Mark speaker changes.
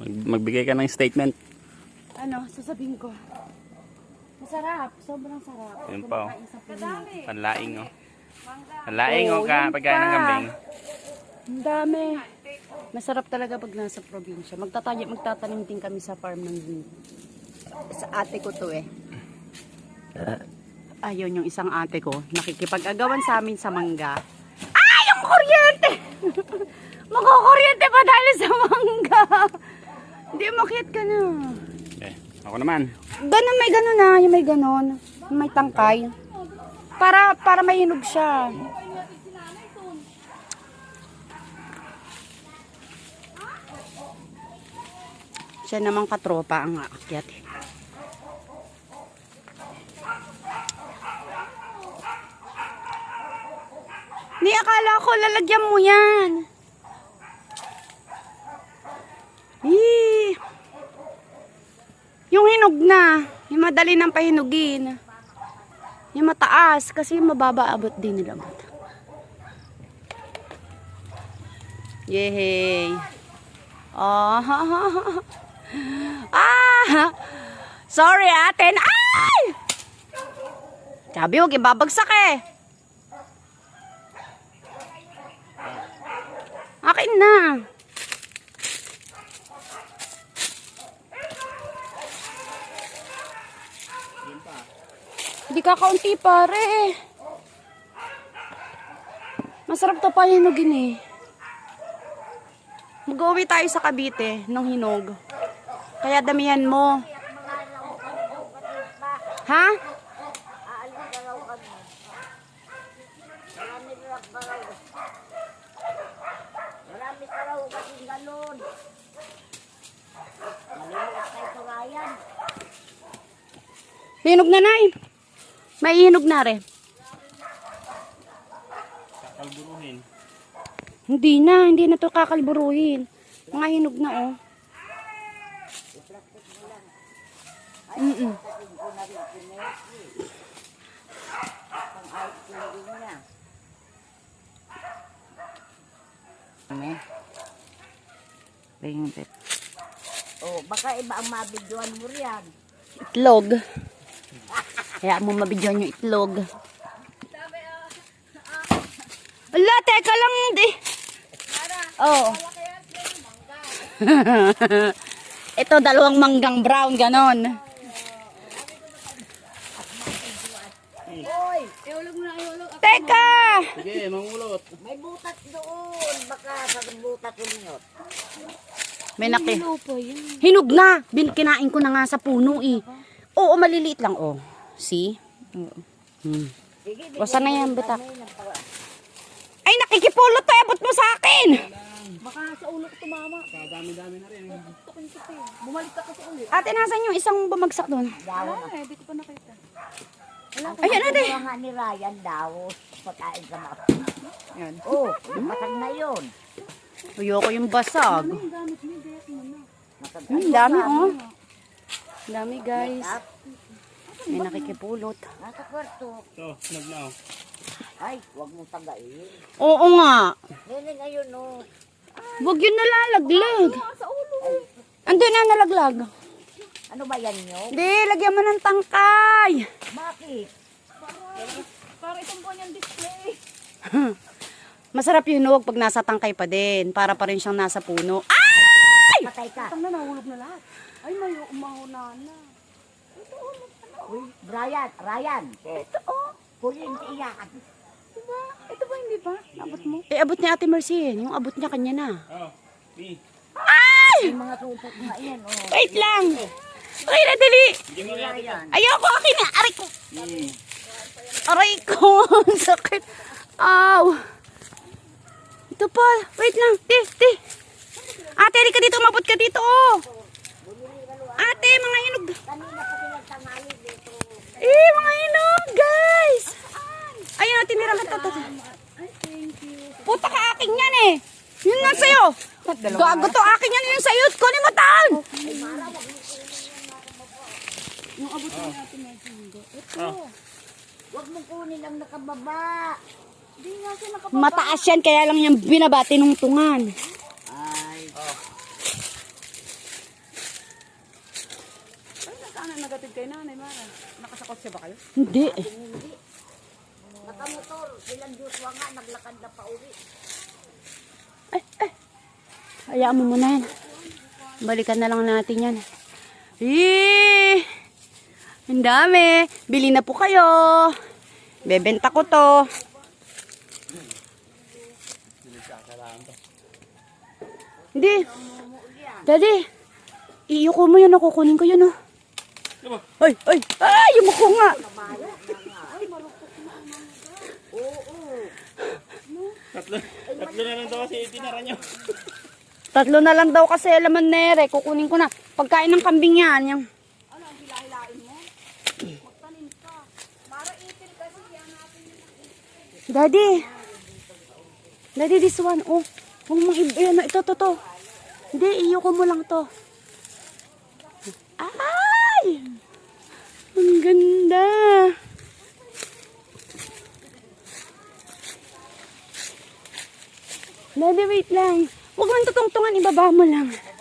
Speaker 1: Magbigay ka ng statement.
Speaker 2: Ano, sasabihin ko. Masarap, sobrang sarap.
Speaker 1: Yun pa, oh.
Speaker 2: Kadami.
Speaker 1: Panlaing, oh. Panlaing, oh, pagkain ng kambing.
Speaker 2: Ang dami. Masarap talaga pag nasa probinsya. Magtatanim din kami sa farm ng sa ate ko to eh. Ayun yung isang ate ko. Nakikipag-agawan sa amin sa mangga. Ah! Yung kuryente! Magkukuryente pa dahil sa mangga. Hindi, umakyat ka na.
Speaker 1: Okay, ako naman.
Speaker 2: Ganun, may ganun na. Yung may ganun. Yung may tangkay. Para may hinog siya. Siya namang katropa ang aakyat. Ni akala ko lalagyan mo yan. Eee. Yung hinog na, yung madali nang pahinugin. Yung mataas kasi mababa abot din nila. Yehey. Ah. Ah. Sorry, atin. Ay! Sabi huwag ibabagsak eh. Akin na. Hindi kakaunti pare. Masarap to pa hinugin eh. Mag-uwi tayo sa Cavite ng hinog. Kaya damihan mo. Ha?
Speaker 3: Marami ka raw kasing galon. Malimulat tayo sa Ryan.
Speaker 2: Hinog na na eh. May hinog na rin.
Speaker 1: Kakalburuhin.
Speaker 2: Hindi na to kakalburuhin. Mga hinog na oh.
Speaker 3: Oh, baka iba ang mabidyoan mo riyan.
Speaker 2: Itlog. Kaya mo mabidyoan yung itlog. Ala, teka lang hindi. Oh. Ito, dalawang manggang brown, ganon.
Speaker 3: Hoy,
Speaker 2: Teka!
Speaker 1: Sige, mangulot.
Speaker 3: may butat doon. Baka sa butat ulit.
Speaker 2: May hinog na. Kinain ko na nga sa puno eh. Oo, maliliit lang oh. See?
Speaker 3: Sige,
Speaker 2: O, sana yan, bitak. Ay, nakikipulot to. Abot mo sa akin.
Speaker 3: baka sa ulo ko tumama.
Speaker 1: Kadami-dami na rin.
Speaker 3: Bumalik ka kasi ulit.
Speaker 2: Ate, nasan yung isang bumagsak doon?
Speaker 3: Daw na.
Speaker 2: Hindi ko pa nakita.
Speaker 3: Ayan, ate. Ang nga ni Ryan daw. Pagkain ka na.
Speaker 2: Yan.
Speaker 3: Oh, matag na yun.
Speaker 2: Ayoko yung basag.
Speaker 3: Matag
Speaker 2: Ang dami oh. Ang dami guys. May nakikipulot.
Speaker 3: Nasa kwarto.
Speaker 1: Ito, hinog na, oh.
Speaker 3: Ay, huwag mong tagain.
Speaker 2: Oo nga.
Speaker 3: Nene ngayon, oh.
Speaker 2: Huwag yun nalalaglag. Andun na nalaglag.
Speaker 3: Ano ba yan nyo?
Speaker 2: Hindi, lagyan mo ng tangkay.
Speaker 3: Bakit?
Speaker 2: Para itong kanyang display. Masarap yung hinog pag nasa tangkay pa din. Para pa rin siyang nasa puno. Ay!
Speaker 3: Patay ka.
Speaker 2: Tang na, nahulog na lahat. Ay, may umahuna na.
Speaker 3: Uy, Ryan.
Speaker 2: Ito oh.
Speaker 3: Huli yung iyakan.
Speaker 2: Diba? Ito ba hindi ba? Abot mo? Eh, abot ni Ate Mercy. Yung abot niya kanya na.
Speaker 1: Oh, B.
Speaker 2: Ay!
Speaker 3: Yung mga supot nga yan, oh.
Speaker 2: Wait lang. Okay na, dali.
Speaker 1: Hindi mo natin.
Speaker 3: Ryan.
Speaker 2: Ayoko, akin na. Aray ko. Aray ko. Ang sakit. Aw. Ito pa. Wait lang. Ti. Ate, di ka dito. Umabot ka dito. Oh. Ate, mga hinog.
Speaker 3: Kanina pa pinagtangali dito.
Speaker 2: Mga hinog, guys. Ayun, tinira ka to. Puta ka akin yan eh. Yun lang sa'yo. Gago to akin yan. Yun sa'yo. Kunin mo taon. Yung abot na natin medyo. Ito.
Speaker 3: Huwag mong kunin ang nakababa.
Speaker 2: Hindi nga siya nakababa. Mataas yan. Kaya lang yung binaba tinungtungan.
Speaker 3: Ay.
Speaker 4: nagatid kay Nanay Mara? Nakasakot siya ba kayo?
Speaker 2: Hindi.
Speaker 3: Nakamotor, silang Joshua nga, naglakad na pa uwi.
Speaker 2: Hayaan mo muna yan. Balikan na lang natin yan. Eh, ang dami. Bili na po kayo. Bebenta ko to. Hindi. Daddy, iyuko mo yun. Kukunin ko yun, oh. Ay, ay, ay, yumuko nga.
Speaker 1: Tatlo na lang daw kasi itinara nyo.
Speaker 2: Tatlo na lang daw kasi laman nere. Kukunin ko na. Pagkain ng kambing yan. Yung...
Speaker 4: Ano, ang hilahilain mo? Magtanim ka. Para itil kasi yan natin yung
Speaker 2: Daddy. Daddy, this one. Oh, huwag mong ayan, ito, to. Hindi, iyo ko mo lang to. Ay! Ang ganda. Daddy, wait lang. Huwag mong tutungtungan, ibaba mo lang.